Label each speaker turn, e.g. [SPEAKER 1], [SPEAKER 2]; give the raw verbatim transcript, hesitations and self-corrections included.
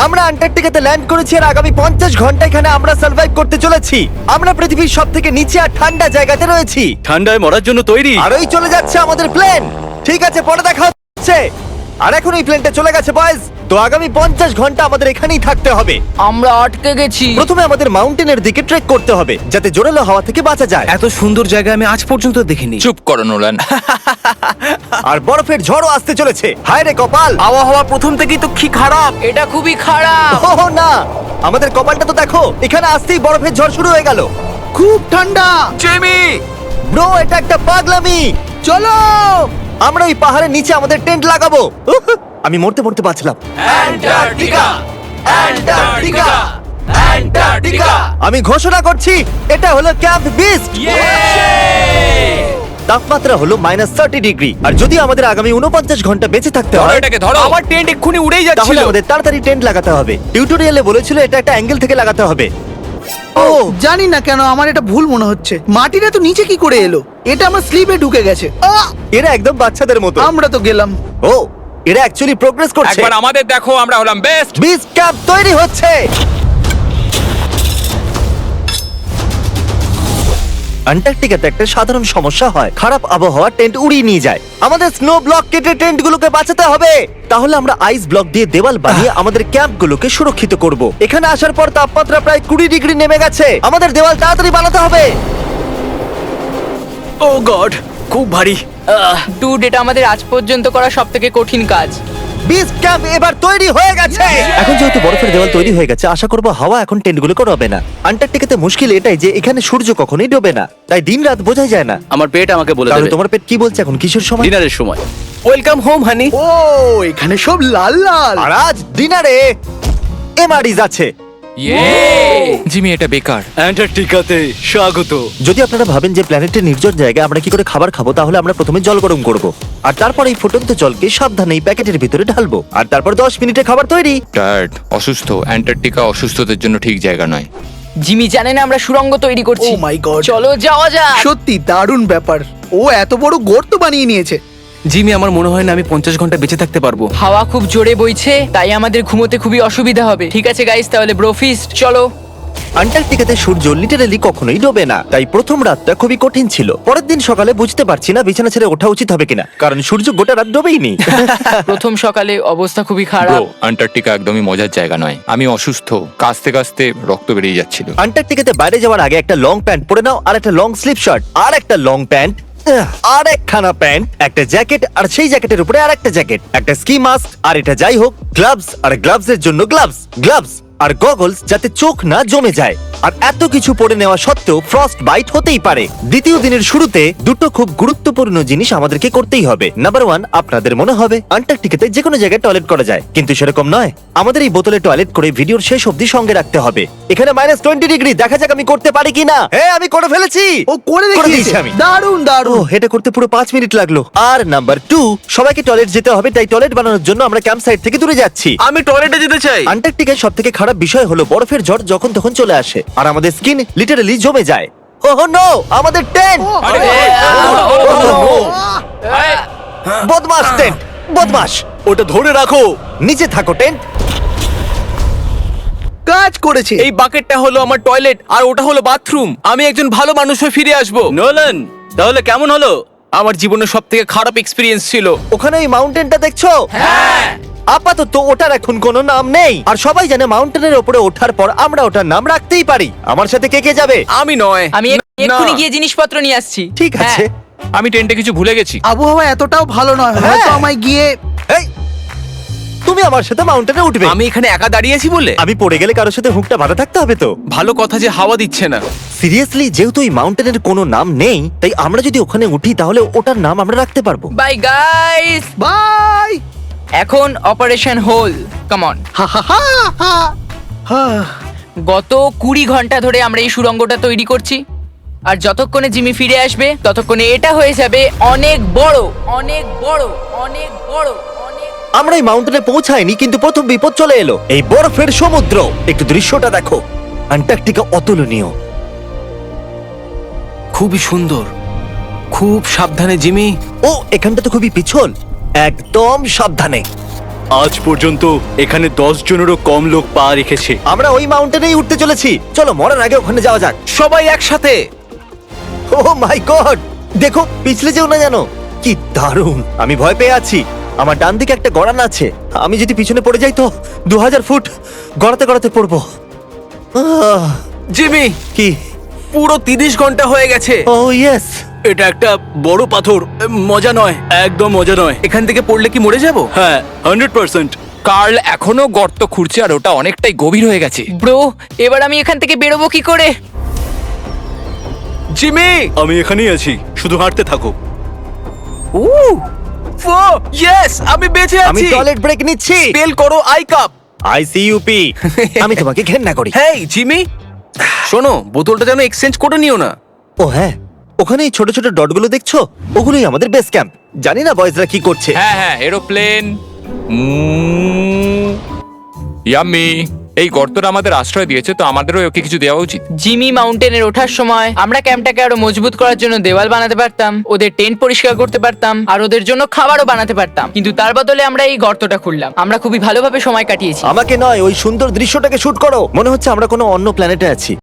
[SPEAKER 1] আমরা আন্টার্কটিকাতে ল্যান্ড করেছি আর আগামী পঞ্চাশ ঘন্টা এখানে আমরা সার্ভাইভ করতে চলেছি। আমরা পৃথিবীর সব থেকে নিচে আর ঠান্ডা জায়গাতে রয়েছি।
[SPEAKER 2] ঠান্ডায় মরার জন্য তৈরি।
[SPEAKER 1] আর ওই চলে যাচ্ছে আমাদের প্লেন। ঠিক আছে, পরে দেখা হচ্ছে। আর এখন এই প্লেনটা চলে গেছে বয়েজ। তো আগামী পঞ্চাশ ঘন্টা আমাদের এখানেই থাকতে হবে।
[SPEAKER 3] আমরা আটকে গেছি।
[SPEAKER 1] প্রথমে আমাদের মাউন্টেনের দিকে ট্রেক করতে হবে যাতে জোরালো হাওয়া থেকে বাঁচা যায়।
[SPEAKER 2] এত সুন্দর জায়গা আমি আজ পর্যন্ত দেখিনি।
[SPEAKER 4] চুপ করো নোলান।
[SPEAKER 1] আর বরফের ঝড়ও আসতে চলেছে। হায় রে কপাল,
[SPEAKER 2] আবহাওয়া প্রথম থেকেই তো কি খারাপ।
[SPEAKER 3] এটা খুবই খারাপ।
[SPEAKER 1] ও না, আমাদের কপালটা তো দেখো, এখানে আসতেই বরফের ঝড় শুরু হয়ে গেল।
[SPEAKER 5] খুব ঠান্ডা।
[SPEAKER 2] জেমি,
[SPEAKER 1] ব্রো, এটা একটা পাগলামি।
[SPEAKER 5] চলো।
[SPEAKER 1] আমরা ওই পাহাড়ের নিচে আমাদের টেন্ট লাগাবো। উহ, আমি মরতে মরতে বাঁচলাম।
[SPEAKER 2] Antarctica, Antarctica, Antarctica.
[SPEAKER 1] আমি ঘোষণা করছি, এটা হলো ক্যাম্প বিস্ট। তাপমাত্রা হলো মাইনাস থার্টি ডিগ্রি। আর যদি আমাদের আগামী উনপঞ্চাশ ঘন্টা বেঁচে থাকতে
[SPEAKER 4] ধরো
[SPEAKER 1] হয়
[SPEAKER 4] এটাকে, ধরো।
[SPEAKER 2] আমার টেন্ট এক্ষুনি উড়েই
[SPEAKER 1] তাহলে
[SPEAKER 2] যাচ্ছিল।
[SPEAKER 1] আমাদের তাড়াতাড়ি টেন্ট লাগাতে হবে। টিউটোরিয়ালে বলেছিল এটা একটা অ্যাঙ্গেল থেকে লাগাতে হবে।
[SPEAKER 5] ও জানি না কেন আমার এটা ভুল মনে হচ্ছে। মাটিটা তো নিচে কি করে এলো? এটা আমার স্লিপে ঢুকে গেছে। আহ!
[SPEAKER 1] এরা একদম বাচ্চাদের মতো।
[SPEAKER 5] আমরা তো গেলাম।
[SPEAKER 1] ও, এরা অ্যাকচুয়ালি প্রোগ্রেস করছে।
[SPEAKER 4] একবার আমাদের দেখো, আমরা হলাম বেস্ট।
[SPEAKER 1] বিচ ক্যাম্প তৈরি হচ্ছে। আন্টার্কটিকাতে একটা সাধারণ সমস্যা হয়, খারাপ আবহাওয়া টেন্ট উড়িয়ে নিয়ে যায়। আমাদের স্নো ব্লক কেটে টেন্টগুলোকে বাঁচাতে হবে। তাহলে আমরা আইস ব্লক দিয়ে দেওয়াল বানিয়ে আমাদের ক্যাম্পগুলোকে সুরক্ষিত করব। এখানে আসার পর তাপমাত্রা প্রায় কুড়ি ডিগ্রি নেমে গেছে। আমাদের দেওয়াল তাড়াতাড়ি বানাতে হবে।
[SPEAKER 2] ও গড, খুব ভারী।
[SPEAKER 3] ডুড, এটা আমাদের আজ পর্যন্ত করা সব থেকে কঠিন কাজ।
[SPEAKER 1] বিচ ক্যাম্প এবার তৈরি হয়ে গেছে। এখন যেহেতু বরফের দেওয়াল তৈরি হয়ে গেছে, আশা করবো হাওয়া এখন টেন্টগুলোকে ডোবে না। আন্টার্কটিকাতে মুশকিল এটাই যে এখানে সূর্য কখনোই ডোবে না, তাই দিন রাত বোঝাই যায় না।
[SPEAKER 2] আমার পেট আমাকে বলে
[SPEAKER 1] তাহলে
[SPEAKER 2] দেবে
[SPEAKER 1] তোমার পেট কি বলছে এখন? কিশোর সময়?
[SPEAKER 2] ডিনারের সময়। Welcome home honey.
[SPEAKER 5] ও এখানে সব লাল লাল।
[SPEAKER 1] আর আজ ডিনারে এমআরইজ আছে।
[SPEAKER 4] জিমি, এটা বেকার।
[SPEAKER 2] অ্যান্টার্কটিকাতে স্বাগত।
[SPEAKER 1] যদি আপনারা ভাবেন যে প্ল্যানেটের নির্জন জায়গায় আমরা কি করে খাবার খাবো, তাহলে আমরা প্রথমে জল গরম করব আর তারপর এই ফুটন্ত জলকে সাবধানে এই প্যাকেটের ভিতরে ঢালবো আর তারপর দশ মিনিটে খাবার তৈরি।
[SPEAKER 4] টায়ার্ড, অসুস্থ। অ্যান্টার্কটিকা অসুস্থদের জন্য ঠিক জায়গা নয়।
[SPEAKER 3] জিমি জানে না আমরা সুড়ঙ্গ তৈরি করছি।
[SPEAKER 5] Oh my God!
[SPEAKER 3] চলো যাওয়া যাক।
[SPEAKER 5] সত্যি দারুণ ব্যাপার। ও এত বড় গর্ত বানিয়ে নিয়েছে।
[SPEAKER 2] জিমি, আমার মনে হয় না আমি পঞ্চাশ ঘন্টা বেঁচে থাকতে পারবো।
[SPEAKER 3] হাওয়া খুব জোরে বইছে, তাই আমাদের ঘুমোতে খুবই অসুবিধা হবে। ঠিক আছে গাইস, তাহলে ব্রোফিস্ট চলো।
[SPEAKER 1] আন্টার্কটিকাতে সূর্য লিটারালি কখনোই ডোবে না, তাই প্রথম রাতটা খুবই কঠিন ছিল। পরের দিন সকালে বুঝতে পারছি না বিছানা ছেড়ে ওঠা উচিত হবে কিনা, কারণ সূর্য গোটা রাত ডোবেই নি।
[SPEAKER 3] প্রথম সকালে অবস্থা খুবই
[SPEAKER 4] ব্রো,
[SPEAKER 3] খারাপ।
[SPEAKER 4] আন্টার্কটিকা একদমই মজার জায়গা নয়। আমি অসুস্থ, কাঁচতে কাঁচতে রক্ত বেরিয়ে যাচ্ছিল।
[SPEAKER 1] আন্টার্কটিকাতে বাইরে যাওয়ার আগে একটা লং প্যান্ট পরে নাও, আর একটা লং স্লিভ শার্ট, আর একটা লং প্যান্ট, আর একখানা প্যান্ট, একটা জ্যাকেট, আর সেই জ্যাকেটের উপরে আর একটা জ্যাকেট, একটা স্কি মাস্ক, আর এটা যাই হোক গ্লাভস, আর গ্লাভস এর জন্য গ্লাভস, গ্লাভস আর গগলস যাতে চোখ না জমে যায়। আর এত কিছু পরে নেওয়া সত্ত্বেও ফ্রস্ট বাইট হতেই পারে। দ্বিতীয় দিনের শুরুতে দুটো খুব গুরুত্বপূর্ণ জিনিস আমাদেরকে করতেই হবে। নাম্বার ওয়ান, আপনাদের মনে হবে আন্টার্কটিকাতে যে কোনো জায়গায় টয়লেট করা যায়, কিন্তু সেরকম নয়। আমাদের এই বোতলে টয়লেট করে ভিডিওর শেষ অবধি সঙ্গে রাখতে হবে। এখানে মাইনাস টোয়েন্টি ডিগ্রি, দেখা যাক আমি করতে পারি কিনা। হ্যাঁ, আমি করে ফেলেছি।
[SPEAKER 5] ও করে
[SPEAKER 1] দিয়েছি
[SPEAKER 5] দেখিয়েছে।
[SPEAKER 1] আমি।
[SPEAKER 5] দারুণ
[SPEAKER 1] ও,
[SPEAKER 5] দারুণ।
[SPEAKER 1] এটা করতে পুরো পাঁচ মিনিট লাগলো। আর নাম্বার টু, সবাইকে টয়লেট যেতে হবে, তাই টয়লেট বানানোর জন্য আমরা ক্যাম্প সাইট থেকে দূরে যাচ্ছি।
[SPEAKER 2] আমি টয়লেটে যেতে চাই।
[SPEAKER 1] আন্টার্কটিকার সব থেকে খারাপ বিষয় হলো বরফের ঝড় যখন তখন চলে আসে আর আমাদের স্কিন লিটারালি জমে যায়। ওহ নো, আমাদের টেন্ট! বদমাস টেন্ট, বদমাস!
[SPEAKER 2] ওটা ধরে রাখো।
[SPEAKER 1] নিচে থাকো টেন্ট।
[SPEAKER 5] কাজ করেছে।
[SPEAKER 2] এই বাকেটটা হলো আমার টয়লেট আর ওটা হলো বাথরুম। আমি একজন ভালো মানুষ হয়ে ফিরে আসবো। নোলান, তাহলে কেমন হলো? আমার জীবনের সব থেকে খারাপ এক্সপিরিয়েন্স ছিল।
[SPEAKER 1] ওখানে ওই মাউন্টেনটা দেখছো? হ্যাঁ। আপাতত ওটার এখন কোনো নাম নেই, আর সবাই জানে মাউন্টেনের উপরে ওঠার পর আমরা ওটার নাম রাখতেই পারি। আমার সাথে কে কে যাবে?
[SPEAKER 2] আমি নয়।
[SPEAKER 3] আমি
[SPEAKER 2] না।
[SPEAKER 3] এক্ষুনি গিয়ে জিনিসপত্র নিয়ে আসছি।
[SPEAKER 1] ঠিক আছে।
[SPEAKER 3] হ্যাঁ।
[SPEAKER 4] আমি টেন্টে কিছু ভুলে গেছি।
[SPEAKER 5] আবহাওয়া এতটাও ভালো নয়,
[SPEAKER 1] হ্যাঁ।
[SPEAKER 5] হয়তো আমায় গিয়ে।
[SPEAKER 1] এই, তুমি আমার সাথে মাউন্টেনে উঠবে।
[SPEAKER 2] আমি এখানে একা দাঁড়িয়ে আছি বলে?
[SPEAKER 1] আমি পড়ে গেলে কারোর সাথে হুকটা বাঁধা থাকতে হবে তো।
[SPEAKER 2] ভালো কথা যে হাওয়া দিচ্ছে না।
[SPEAKER 1] সিরিয়াসলি, যেহেতু এই মাউন্টেনের কোনো নাম নেই, তাই আমরা যদি ওখানে উঠি তাহলে ওটার নাম আমরা রাখতে পারবো।
[SPEAKER 3] Bye guys.
[SPEAKER 5] বাই।
[SPEAKER 3] এখন অপারেশন হোল, কাম অন।
[SPEAKER 5] হা হা হা হা। হা।
[SPEAKER 3] গত কুড়ি ঘন্টা ধরে আমরা এই সুড়ঙ্গটা তৈরি করছি, আর যতক্ষণে জিমি ফিরে আসবে ততক্ষণে এটা হয়ে যাবে অনেক বড়, অনেক বড়, অনেক বড়, অনেক।
[SPEAKER 1] আমরা এই মাউন্টেনে পৌঁছাইনি, কিন্তু প্রথম বিপদ চলে এলো, এই বরফের সমুদ্র। একটু দৃশ্যটা দেখো, আন্টার্কটিকা অতুলনীয়।
[SPEAKER 2] খুবই সুন্দর। খুব সাবধানে জিমি।
[SPEAKER 1] ও, এখানটা তো খুবই পিছল। একদম সাবধানে।
[SPEAKER 6] আজ পর্যন্ত এখানে দশ জনেরও কম লোক পা রেখেছে।
[SPEAKER 1] আমরা ওই মাউন্টেনেই উঠতে চলেছি, চলো মরার আগে ওখানে যাওয়া যাক।
[SPEAKER 2] সবাই একসাথে।
[SPEAKER 1] ও মাই গড, দেখো পিছলে যেও না জানো। কি দারুণ, আমি ভয় পেয়ে আছি। আমার ডান দিকে একটা গড়ান আছে, আমি যদি পিছনে পড়ে যাই তো দু হাজার ফুট গড়াতে গড়াতে পড়বো। আহ,
[SPEAKER 2] জিমি,
[SPEAKER 1] কি?
[SPEAKER 2] পুরো তিরিশ ঘন্টা হয়ে গেছে।
[SPEAKER 1] Oh yes.
[SPEAKER 6] এটা একটা বড় পাথর, মজা নয়, একদম মজা নয়।
[SPEAKER 2] এখান থেকে পড়লে কি মরে যাব?
[SPEAKER 6] হ্যাঁ, হান্ড্রেড পার্সেন্ট।
[SPEAKER 4] কার্ল এখনো গর্ত খুঁড়ছে আর ওটা অনেকটাই গভীর হয়ে গেছে।
[SPEAKER 3] ব্রো, এবার আমি এখান থেকে বেরোবো কি করে?
[SPEAKER 2] জিমি,
[SPEAKER 6] আমি এখানেই আছি, শুধু হাঁটতে থাকো।
[SPEAKER 2] ও ইয়েস, আমি বেঁচে
[SPEAKER 1] আমি
[SPEAKER 2] আছি।
[SPEAKER 1] টয়লেট ব্রেক নিচ্ছি।
[SPEAKER 2] স্পেল করো আই কাপ।
[SPEAKER 1] আইসিইউপি। আমি তোমাকে ঘেন্না করি।
[SPEAKER 2] হেই জিমি, শোনো, বোতলটা যেন এক্সচেঞ্জ করে নিও না।
[SPEAKER 1] ও হ্যাঁ, ওখানে এই ছোট ছোট ডটগুলো দেখছো, ওগুলোই আমাদের বেস ক্যাম্প। জানি না বয়েজরা কি করছে।
[SPEAKER 4] হ্যাঁ হ্যাঁ, এরোপ্লেন। ইয়াম্মি, এই গর্তটা আমাদের আশ্রয় দিয়েছে, তো আমাদেরও ওকে কিছু দেওয়া উচিত।
[SPEAKER 3] জিমি মাউন্টেনের ওঠার সময় আমরা ক্যাম্পটাকে আরো মজবুত করার জন্য দেওয়াল বানাতে পারতাম, ওদের টেন্ট পরিষ্কার করতে পারতাম, আর ওদের জন্য খাবারও বানাতে পারতাম। কিন্তু তার বদলে আমরা এই গর্তটা খুললাম। আমরা খুবই ভালোভাবে সময় কাটিয়েছি।
[SPEAKER 1] আমাকে নয়, ওই সুন্দর দৃশ্যটাকে শুট করো। মনে হচ্ছে আমরা কোনো অন্য প্ল্যানেটে আছি।